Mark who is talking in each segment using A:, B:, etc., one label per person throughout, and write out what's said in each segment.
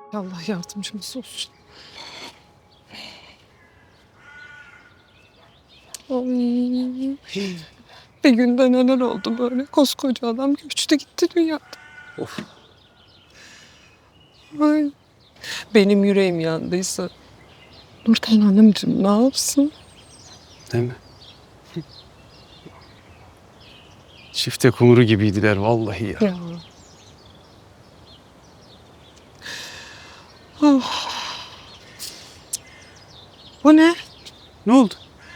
A: Allah yardımcımız olsun. Ay. Bir günde neler oldu böyle? Koskoca adam göçtü gitti dünyadan.
B: Of.
A: Ay. Benim yüreğim yandıysa Nurten Hanımcığım ne yapsın?
B: Değil mi? Çifte kumru gibiydiler vallahi ya.
A: Ya. Oh. Bu ne?
B: Ne oldu?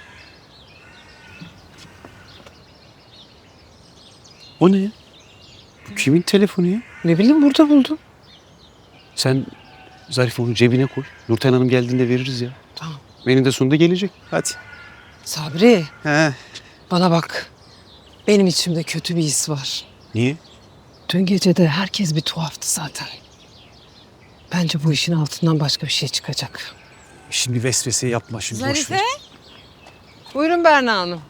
B: O ne ya? Bu kimin telefonu ya?
A: Ne bileyim burada buldum.
B: Sen Zarife onu cebine koy. Nurten Hanım geldiğinde veririz ya.
A: Tamam.
B: Benim de sonunda gelecek. Hadi.
A: Sabri
B: He.
A: bana bak. Benim içimde kötü bir his var.
B: Niye?
A: Dün gece de herkes bir tuhaftı zaten. Bence bu işin altından başka bir şey çıkacak.
B: Şimdi vesvese yapma şimdi. boş
C: Zarife?
B: ver.
A: Buyurun Berna Hanım.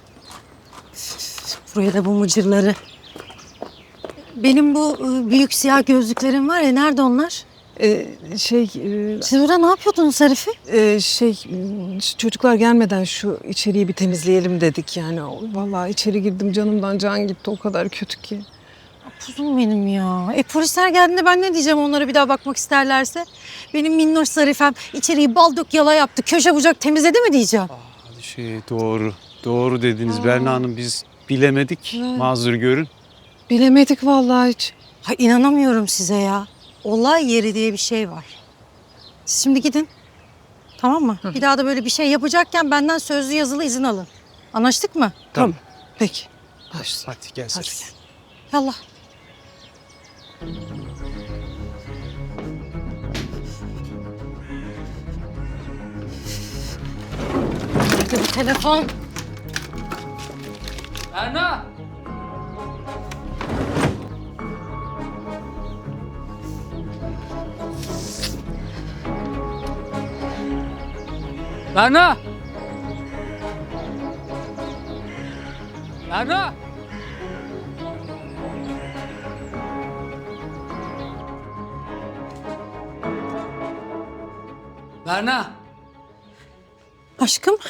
C: Buraya da bu mıcırları. Benim bu büyük siyah gözlüklerim var ya, nerede onlar? Siz burada ne yapıyordunuz Zarife?
A: Çocuklar gelmeden şu içeriği bir temizleyelim dedik yani. Vallahi içeri girdim canımdan can gitti o kadar kötü ki.
C: Kuzum benim ya. Polisler geldiğinde ben ne diyeceğim onlara, bir daha bakmak isterlerse? Benim minnoş Zarifem içeriği bal dök yala yaptı, köşe bucak temizledi mi diyeceğim?
B: Doğru. Doğru dediniz Berna Hanım. Biz bilemedik.
A: Evet.
B: Mazur görün.
A: Bilemedik vallahi hiç.
C: Ha, inanamıyorum size ya. Olay yeri diye bir şey var. Siz şimdi gidin. Tamam mı? Bir daha da böyle bir şey yapacakken benden sözlü yazılı izin alın. Anlaştık mı?
A: Tamam. Peki. Başla.
B: Hadi gel Zarife.
C: Yallah. Nerede bu telefon?
D: Berna! Berna! Berna! Berna!
C: Aşkım.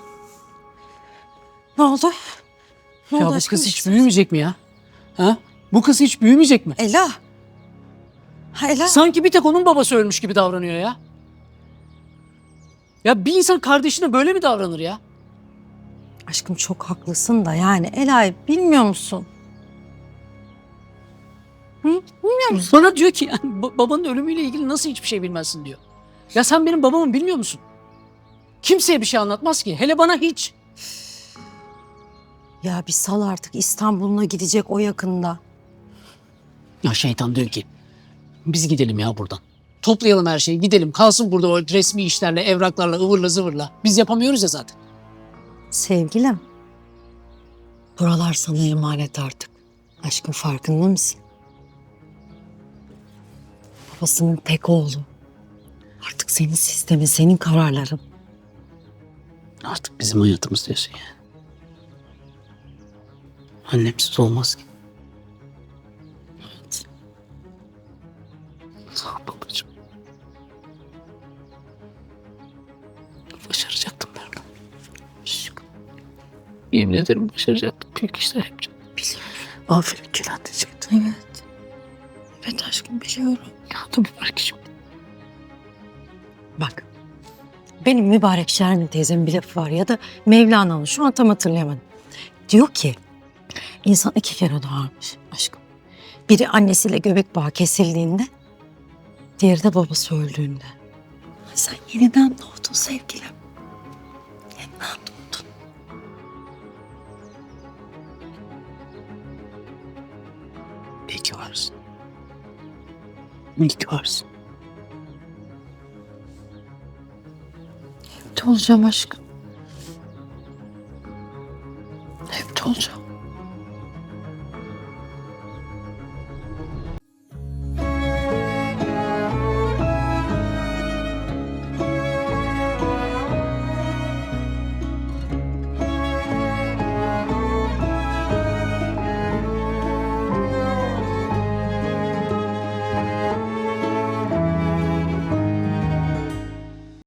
C: Ne oldu? Ne
D: Ya
C: oldu
D: bu
C: aşkım?
D: kız hiç büyümeyecek mi ya? Ha? Bu kız hiç büyümeyecek mi?
C: Ela. Ha Ela.
D: Sanki bir tek onun babası ölmüş gibi davranıyor ya. Ya bir insan kardeşine böyle mi davranır ya?
C: Aşkım çok haklısın da yani Ela'yı bilmiyor musun? Hı? Bilmiyor musun?
D: Bana diyor ki yani babanın ölümüyle ilgili nasıl hiçbir şey bilmezsin diyor. Ya sen benim babamı bilmiyor musun? Kimseye bir şey anlatmaz ki. Hele bana hiç.
C: Ya bir sal artık, İstanbul'una gidecek o yakında.
D: Ya şeytan diyor ki biz gidelim ya buradan. Toplayalım her şeyi gidelim. Kalsın burada o resmi işlerle, evraklarla, ıvırla zıvırla. Biz yapamıyoruz ya zaten.
C: Sevgilim. Buralar sana emanet artık. Aşkın farkında mısın? Babasının tek oğlu. Artık senin sistemin, senin kararların.
D: Artık bizim hayatımız diyorsun ya. Annemsiz olmaz ki.
C: Evet.
D: Sağ ol babacığım. Başaracaktım ben. Yemin ederim başaracaktım. Büyük işler yapacaktım.
C: Biliyorum.
D: Aferin Kenan diyecektim.
C: Evet. Evet aşkım biliyorum.
D: Ya da mübarek işim.
C: Bak. Benim mübarek Şermin teyzemin bir lafı var ya da Mevlana'nın, şu an tam hatırlayamadım. Diyor ki insan iki kere doğarmış aşkım. Biri annesiyle göbek bağı kesildiğinde, diğeri de babası öldüğünde. Sen yeniden doğdun sevgilim. Yeniden doğdun.
D: İyi ki varsın. İyi ki varsın.
C: Hep de olacağım aşkım. Hep de olacağım.